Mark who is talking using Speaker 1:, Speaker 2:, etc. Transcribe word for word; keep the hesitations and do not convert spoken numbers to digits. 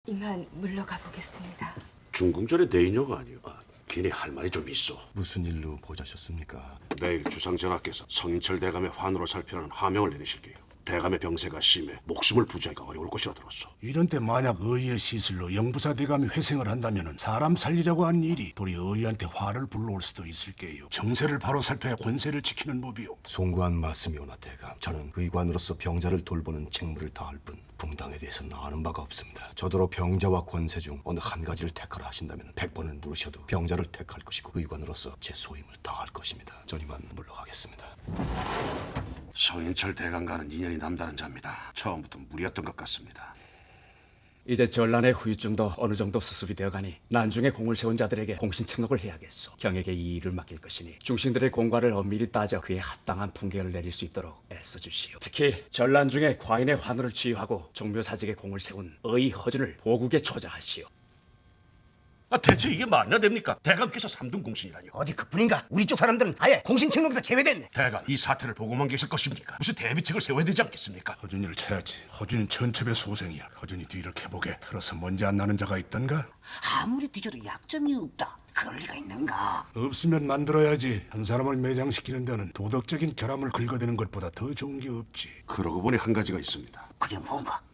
Speaker 1: 이만 물러가 보겠습니다.
Speaker 2: 중궁전의 대인녀가 아니오. 아, 괜히 할 말이 좀 있어.
Speaker 3: 무슨 일로 보자셨습니까?
Speaker 2: 내일 주상전하께서 성인철 대감의 환으로 살피라는 하명을 내리실게요. 대감의 병세가 심해 목숨을 부지하기가 어려울 것이라 들었소.
Speaker 4: 이런 때 만약 의의 시슬로 영부사 대감이 회생을 한다면 사람 살리려고 한 일이 도리 의한테 화를 불러올 수도 있을게요. 정세를 바로 살펴야 권세를 지키는 법이요.
Speaker 3: 송구한 말씀이오나 대감, 저는 의관으로서 병자를 돌보는 책무를 다할 뿐 붕당에 대해서는 아는 바가 없습니다. 저더러 병자와 권세 중 어느 한 가지를 택하라 하신다면 백 번을 물으셔도 병자를 택할 것이고 의관으로서 제 소임을 다할 것입니다. 전 이만 물러가겠습니다.
Speaker 2: 성인철 대감과는 인연이 남다른 자입니다. 처음부터 무리였던 것 같습니다.
Speaker 5: 이제 전란의 후유증도 어느 정도 수습이 되어가니 난중에 공을 세운 자들에게 공신책록을 해야겠소. 경에게 이 일을 맡길 것이니 중신들의 공과를 엄밀히 따져 그에 합당한 풍계를 내릴 수 있도록 애써주시오. 특히 전란 중에 과인의 환호를 지휘하고 종묘사직에 공을 세운 의 허준을 보국에 초자하시오.
Speaker 2: 아, 대체 이게 말이나 됩니까? 대감께서 삼등 공신이라뇨.
Speaker 6: 어디 그뿐인가? 우리 쪽 사람들은 아예 공신책록에서 제외됐네.
Speaker 2: 대감, 이 사태를 보고만 계실 것입니까? 무슨 대비책을 세워야 되지 않겠습니까?
Speaker 4: 허준이를 쳐야지. 허준이는 천첩의 소생이야. 허준이 뒤를 캐보게. 틀어서 먼지 안 나는 자가 있던가?
Speaker 6: 아무리 뒤져도 약점이 없다. 그럴 리가 있는가?
Speaker 4: 없으면 만들어야지. 한 사람을 매장시키는 데는 도덕적인 결함을 긁어대는 것보다 더 좋은 게 없지.
Speaker 2: 그러고 보니 한 가지가 있습니다.
Speaker 6: 그게 뭔가?